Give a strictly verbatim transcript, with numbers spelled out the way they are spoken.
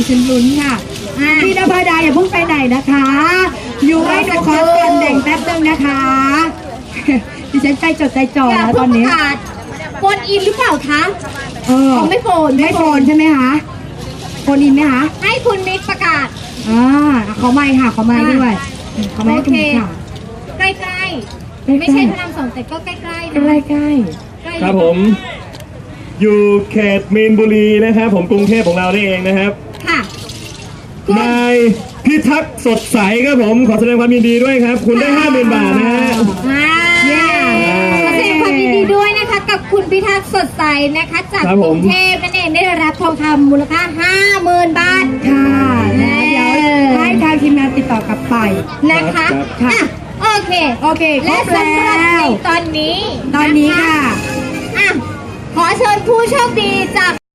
ฉันลุ้นค่ะพี่นภาดาอย่าเพิ่งไปไหนนะคะอยู่ให้หนูขอส่วนแบ่งแป๊บนึงนะคะดิฉันใจจดใจจ่อแล้วตอนนี้โฟนอินหรือเปล่าคะเออไม่โฟนไม่โฟนใช่ไหมคะโฟนอินไหมคะให้คุณมิกประกาศอ่าขอไมค์ค่ะขอไมค์ด้วยขอไมค์ให้คุณมิกค่ะใกล้ๆไม่ใช่พระรามสองแต่ก็ใกล้ๆนะใกล้ๆครับผมอยู่เขตมีนบุรีนะครับผมกรุงเทพของเรานี่เองนะครับค่ะนายพิทักษ์สดใสครับผมขอแสดงความยินดีด้วยครับคุณได้ห้าหมื่นบาทนะฮะขอแสดงความยินดีด้วยนะคะกับคุณพิทักษ์สดใสนะคะจากกรุงเทพนั่นเองได้รับทองคำมูลค่าห้าหมื่นบาทค่ะแล้วเดี๋ยวให้ทางทีมงานติดต่อกลับไปนะคะค่ะโอเคโอเคและสำหรับในตอนนี้ตอนนี้ค่ะขอเชิญผู้โชคดีจาก